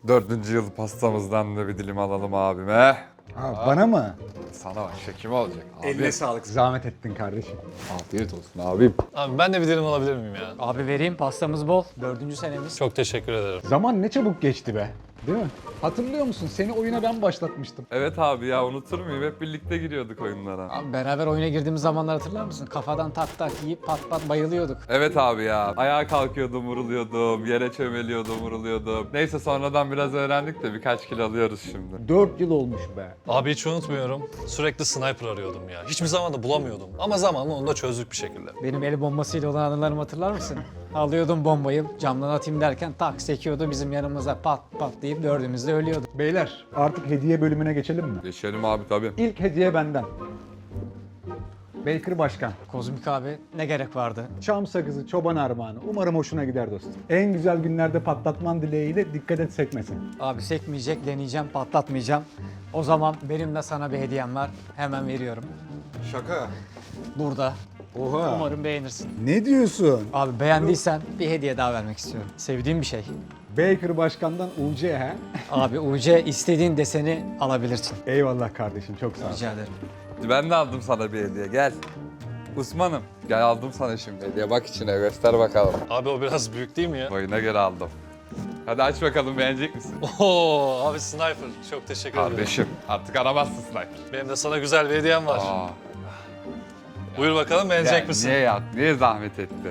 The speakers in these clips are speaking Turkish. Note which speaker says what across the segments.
Speaker 1: 4. yıl pastamızdan da bir dilim alalım abime.
Speaker 2: Ha, bana mı?
Speaker 1: Sana bak, şekim olacak abi.
Speaker 2: Eline sağlık. Zahmet ettin kardeşim.
Speaker 1: Afiyet olsun abim.
Speaker 3: Abi ben de bir dilim alabilir miyim ya?
Speaker 4: Abi vereyim, pastamız bol. 4. senemiz.
Speaker 3: Çok teşekkür ederim.
Speaker 2: Zaman ne çabuk geçti be. Değil mi? Hatırlıyor musun? Seni oyuna ben başlatmıştım.
Speaker 1: Evet abi ya, unutur muyum? Hep birlikte giriyorduk oyunlara.
Speaker 4: Abi beraber oyuna girdiğimiz zamanlar hatırlar mısın? Kafadan tak tak yiyip pat pat bayılıyorduk.
Speaker 1: Evet abi ya. Ayağa kalkıyordum, vuruluyordum. Yere çömeliyordum, vuruluyordum. Neyse sonradan biraz öğrendik de birkaç kilo alıyoruz şimdi.
Speaker 2: 4 yıl olmuş be.
Speaker 3: Abi hiç unutmuyorum. Sürekli sniper arıyordum ya. Hiçbir zaman da bulamıyordum. Ama zamanla onu da çözdük bir şekilde.
Speaker 4: Benim el bombasıyla olan anılarımı hatırlar mısın? Alıyordum bombayı, camdan atayım derken tak sekiyordu bizim yanımıza pat pat deyip dördümüz de ölüyorduk.
Speaker 2: Beyler artık hediye bölümüne geçelim mi?
Speaker 1: Geçelim abi tabii.
Speaker 2: İlk hediye benden. Baker Başkan.
Speaker 4: Kozmik abi ne gerek vardı?
Speaker 2: Çam sakızı, çoban armağanı. Umarım hoşuna gider dostum. En güzel günlerde patlatman dileğiyle, dikkat et sekmesin.
Speaker 4: Abi sekmeyecek, deneyeceğim, patlatmayacağım. O zaman benim de sana bir hediyem var. Hemen veriyorum.
Speaker 2: Şaka.
Speaker 4: Burada.
Speaker 2: Oha.
Speaker 4: Umarım beğenirsin.
Speaker 2: Ne diyorsun?
Speaker 4: Abi beğendiysen bir hediye daha vermek istiyorum. Sevdiğim bir şey.
Speaker 2: Baker Başkan'dan UC he?
Speaker 4: Abi UC istediğin deseni alabilirsin.
Speaker 2: Eyvallah kardeşim, çok sağ ol.
Speaker 4: Rica ederim.
Speaker 1: Ben de aldım sana bir hediye, gel. Osman'ım, gel aldım sana şimdi hediye. Bak içine, göster bakalım.
Speaker 3: Abi o biraz büyük değil mi ya?
Speaker 1: Boyuna göre aldım. Hadi aç bakalım, beğenecek misin?
Speaker 3: Oo abi sniper. Çok teşekkür ederim.
Speaker 1: Kardeşim, artık aramazsın sniper.
Speaker 3: Benim de sana güzel bir hediyem var.
Speaker 1: Aa.
Speaker 3: Buyur bakalım beğenecek
Speaker 1: Ya
Speaker 3: misin?
Speaker 1: niye zahmet ettin?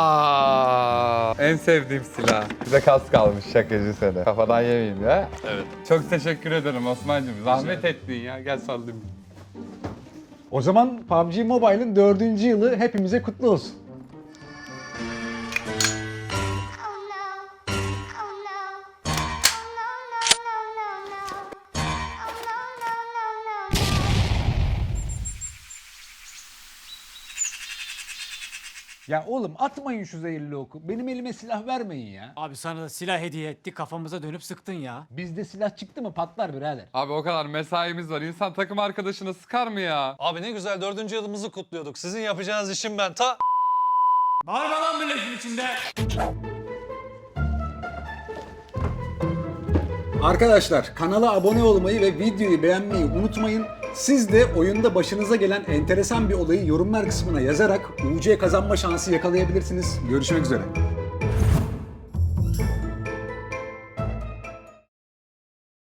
Speaker 1: En sevdiğim silah. Bize kas kalmış, şakacı seni. Kafadan yemeyeyim ya.
Speaker 3: Evet.
Speaker 1: Çok teşekkür ederim Osman'cığım. Zahmet ettin ya. Gel sallayayım.
Speaker 2: O zaman PUBG Mobile'ın 4. yılı hepimize kutlu olsun.
Speaker 5: Oh no. Oh no. Oh no, no, no, no, no. Oh no, no, no, no.
Speaker 2: Ya oğlum atmayın şu zehirli oku. Benim elime silah vermeyin ya.
Speaker 4: Abi sana da silah hediye etti, kafamıza dönüp sıktın ya.
Speaker 2: Bizde silah çıktı mı patlar birader.
Speaker 1: Abi o kadar mesaimiz var. İnsan takım arkadaşına sıkar mı ya?
Speaker 3: Abi ne güzel 4. yılımızı kutluyorduk. Sizin yapacağınız işim ben ta...
Speaker 4: Bağırma lan milletin içinde.
Speaker 2: Arkadaşlar kanala abone olmayı ve videoyu beğenmeyi unutmayın. Siz de oyunda başınıza gelen enteresan bir olayı yorumlar kısmına yazarak UC kazanma şansı yakalayabilirsiniz. Görüşmek üzere.